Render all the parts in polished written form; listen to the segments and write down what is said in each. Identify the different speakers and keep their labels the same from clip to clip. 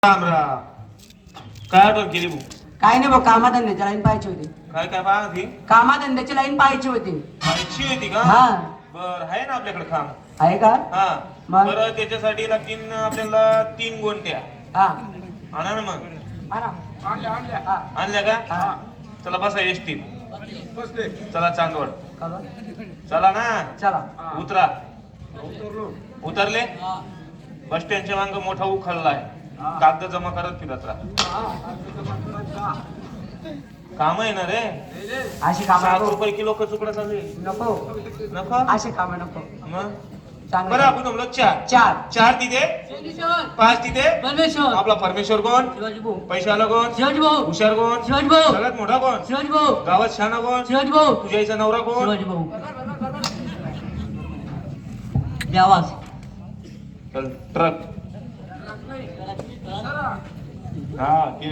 Speaker 1: राम राम. काय आठवण केली भाऊ?
Speaker 2: काय नाही भाऊ, कामाधंद्याची लाईन पाहायची होती.
Speaker 1: काय काय पाहा ती
Speaker 2: कामाधंद्याची लाईन पाहायची होती.
Speaker 1: पाहिजे होती का?
Speaker 2: हा.
Speaker 1: बर आहे ना आपल्याकडे काम.
Speaker 2: आहे का?
Speaker 1: हा
Speaker 2: मग?
Speaker 1: बरं त्याच्यासाठी लागतील आपल्याला 3 गोंट्या.
Speaker 2: हा.
Speaker 1: आणा ना मग.
Speaker 2: आणा. हा.
Speaker 1: आणल्या का?
Speaker 2: हा.
Speaker 1: चला बसा एसटी. चला चांदवड.
Speaker 2: का बा?
Speaker 1: चला ना.
Speaker 2: चला.
Speaker 1: उतरा. उतरले? बस स्टँडच्या मांग मोठा उखळला आहे. कागद जमा करत फिरत राहा. काम आहे ना रे.
Speaker 2: अशी काम
Speaker 1: 7 रुपये किलो कचुकडा चालू आहे.
Speaker 2: नको.
Speaker 1: नको
Speaker 2: अशी काम नको.
Speaker 1: मग
Speaker 2: चांगलं.
Speaker 1: बरं आपण जमलो 4.
Speaker 2: चार.
Speaker 1: 4 तिथे 5 तिथे.
Speaker 2: परमेश्वर.
Speaker 1: आपला परमेश्वर कोण?
Speaker 2: शिवाजी भाऊ.
Speaker 1: पैशाला कोण?
Speaker 2: शिवाजी भाऊ.
Speaker 1: हुशार कोण?
Speaker 2: शिवाजी भाऊ.
Speaker 1: सगळ्यात मोठा कोण?
Speaker 2: शिवाजी भाऊ.
Speaker 1: गावात शाना कोण?
Speaker 2: शिवाजी भाऊ.
Speaker 1: तुझ्या आईचा नवरा कोण?
Speaker 2: शिवाजी भाऊ. द्यावाज.
Speaker 1: चल ट्रक. हा घे.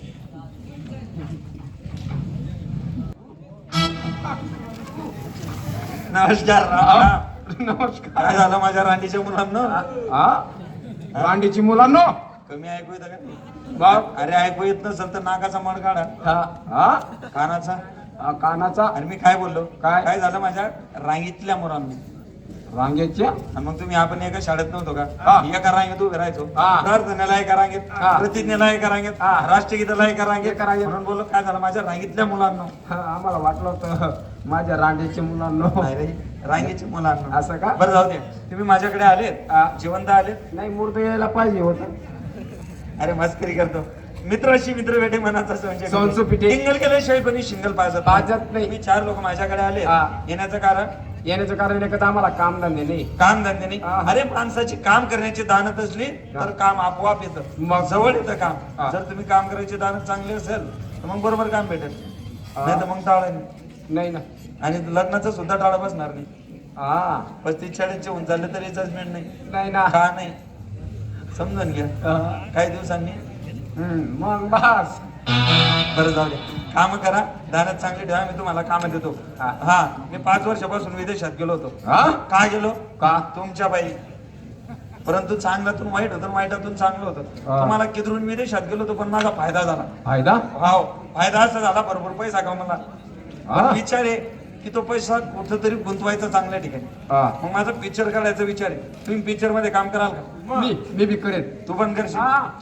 Speaker 3: नमस्कार नमस्कार. काय झालं माझ्या रांडीच्या मुलांना?
Speaker 4: रांडीची मुलांनो.
Speaker 3: कमी ऐकू येतं का?
Speaker 4: बाप.
Speaker 3: अरे ऐकू येत नसेल तर नाकाचा मड काढा.
Speaker 4: हा
Speaker 3: कानाचा.
Speaker 4: कानाचा.
Speaker 3: आणि मी काय बोललो?
Speaker 4: काय?
Speaker 3: काय झालं माझ्या रांगीतल्या मुलांना?
Speaker 4: रांगेच्या.
Speaker 3: आणि मग तुम्ही आपण एका शाळेत नव्हतो
Speaker 4: हा.
Speaker 3: का? एका रांगेत उभे राहायचो.
Speaker 4: हा.
Speaker 3: प्रार्थनेला एका रांगेत,
Speaker 4: हा.
Speaker 3: प्रतिज्ञेला एका रांगेत,
Speaker 4: हा.
Speaker 3: राष्ट्रगीताला एका रांगेत.
Speaker 4: एका रांगेत.
Speaker 3: म्हणून बोललो काय झालं माझ्या रांगीतल्या मुलांना?
Speaker 4: आम्हाला वाटलं होतं माझ्या रांडीची मुलांनो.
Speaker 3: नाही रे, रांगेची मुलांना.
Speaker 4: असं का?
Speaker 3: बरं जाऊ दे. तुम्ही माझ्याकडे आलेत, जिवंत आलेत.
Speaker 4: नाही, मूर्त यायला पाहिजे होत.
Speaker 3: अरे मस्करी करतो. मित्राशी मित्र भेटे मनाचा संशय करतो.
Speaker 4: संशय पिटे.
Speaker 3: टिंगल केल्याशिवाय कोणी शिंगल पाजत
Speaker 4: पाजत नाही.
Speaker 3: तुम्ही 4 लोक माझ्याकडे आले.
Speaker 4: हा.
Speaker 3: येण्याचं कारण?
Speaker 4: येण्याचं कारण एकच, आम्हाला काम धंदे नाही.
Speaker 3: काम धंदे नाही.
Speaker 4: हा.
Speaker 3: अरे माणसाची काम करण्याची दानत असली तर काम आपोआप येतं.
Speaker 4: मग?
Speaker 3: जवळ येतं काम.
Speaker 4: हा.
Speaker 3: जर तुम्ही काम करायची दानत चांगली असेल तर मग बरोबर काम भेटेल. नाही तर मग टाळ नाही.
Speaker 4: नाही ना.
Speaker 3: आणि लग्नाचं सुद्धा टाळा बसणार नाही.
Speaker 4: हा.
Speaker 3: 35-40 होऊन चालले तरी जजमेंट नाही.
Speaker 4: नाही ना.
Speaker 3: का नाही समजून घ्या. काही दिवसांनी
Speaker 4: मग बस.
Speaker 3: बरं जाऊ दे. काम करा, दानत चांगली ठेवा. मी तुम्हाला काम देतो. हा, मी 5 वर्षापासून विदेशात गेलो होतो. का गेलो?
Speaker 4: का?
Speaker 3: तुमच्या बाई. परंतु चांगल्यातून वाईट होतं, वाईटातून चांगलं होतं. तुम्हाला किधरून विदेशात गेलो होतो पण माझा फायदा झाला.
Speaker 4: फायदा?
Speaker 3: हो, फायदा असा झाला, भरपूर पैसा कमवला. पण विचार आहे की तो पैसा कुठं तरी गुंतवायचा चांगल्या ठिकाणी. मग माझा पिक्चर काढायचा विचार आहे. तुम्ही पिक्चर मध्ये काम कराल का?
Speaker 4: मी बी करेन.
Speaker 3: तू पण करशील?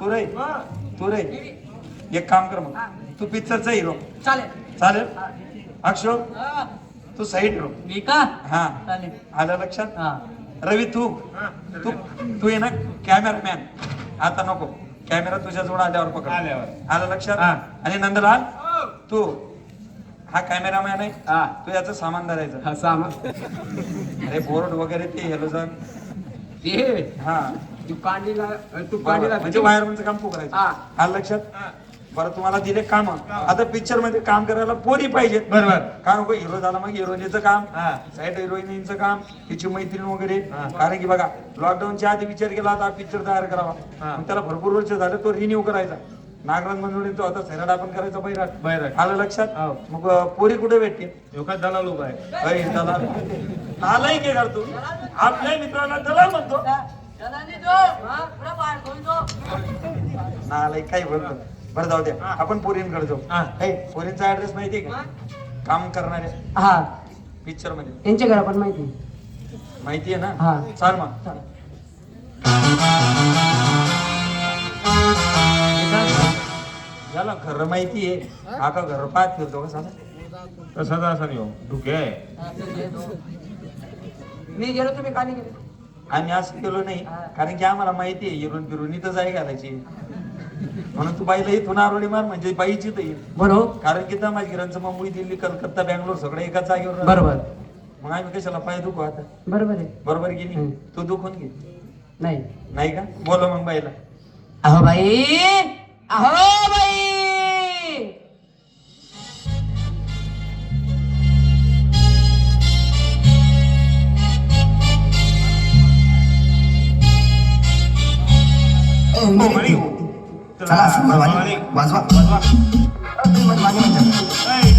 Speaker 3: तू रे एक काम कर, मग तू पिक्चरचा हिरो.
Speaker 2: चालेल.
Speaker 3: चालेल. अक्षो तू साईड हिरो.
Speaker 2: मी का?
Speaker 3: हा,
Speaker 2: चालेल.
Speaker 3: आलं लक्षात?
Speaker 2: हा.
Speaker 3: रवी तू तू तू आहे ना कॅमेरामॅन. आता नको, कॅमेरा तुझ्या जवळ आल्यावर पकड. आलं लक्षात? आणि नंदलाल तू हा कॅमेरामॅन आहे. तू याचं सामान धरायचं.
Speaker 4: सामान.
Speaker 3: अरे बोर्ड वगैरे ते हेलोजन. हा,
Speaker 4: तू कांडीला
Speaker 3: म्हणजे वायरमनचं काम तू करायचं. आलं लक्षात? बरं, तुम्हाला दिले काम. आता पिक्चर मध्ये काम करायला पोरी पाहिजेत.
Speaker 1: बरोबर.
Speaker 3: का नको? हिरो झाला मग हिरोईनचं काम, साईड हिरोईनचं काम, तिची मैत्रीण वगैरे. कारण की बघा, लॉकडाऊनच्या आधी विचार केला आता पिक्चर तयार करावा. मग त्याला भरपूर वर्ष झाले, तो रिन्यू करायचा. नागराज मंजुळींचा होता, सैराट आपण करायचा बैराट. आलं लक्षात? मग पोरी कुठे भेटते?
Speaker 1: दलाल उभा आहे.
Speaker 3: दलाल. नालाय के करतो आपल्या मित्राला दलाल म्हणतो. नालाय काही बोलतो. बरं जाऊ द्या, आपण पोरींकडे जाऊ. पोरींचा ऍड्रेस माहिती आहे का? काम करणारे
Speaker 2: हा.
Speaker 3: पिक्चर मध्ये
Speaker 2: त्यांच्या घरा पण माहिती.
Speaker 3: माहिती आहे
Speaker 2: हा.
Speaker 3: ना? चाल मग. याला घर माहिती आहे. हा का घर पाहत फिरतो का साधा?
Speaker 1: तसाच असा नाही हो, धुके आहे.
Speaker 2: मी गेलो, तुम्ही का नाही गेले?
Speaker 3: आम्ही असं केलो नाही, कारण की आम्हाला माहिती आहे हिरून फिरून इथं जाई घालायची. म्हणून तू बाईला इथून आरोळी मार, म्हणजे बाईची तर येईल.
Speaker 2: बरोबर.
Speaker 3: कारण की माझ्या मुंबई, दिल्ली, कलकत्ता, बँगलोर सगळं एकाच जागेवर राहतं.
Speaker 2: बरोबर.
Speaker 3: मग आम्ही कशाला पाय दुखू आता?
Speaker 2: बरोबर आहे.
Speaker 3: बरोबर की नाही? तू दुखून घे.
Speaker 2: नाही.
Speaker 3: नाही का? बोलो मग बाईला.
Speaker 2: अहो बाई, अहो बाई.
Speaker 5: चला असं वाजवा.
Speaker 1: वाजवा.
Speaker 5: माझे म्हणतात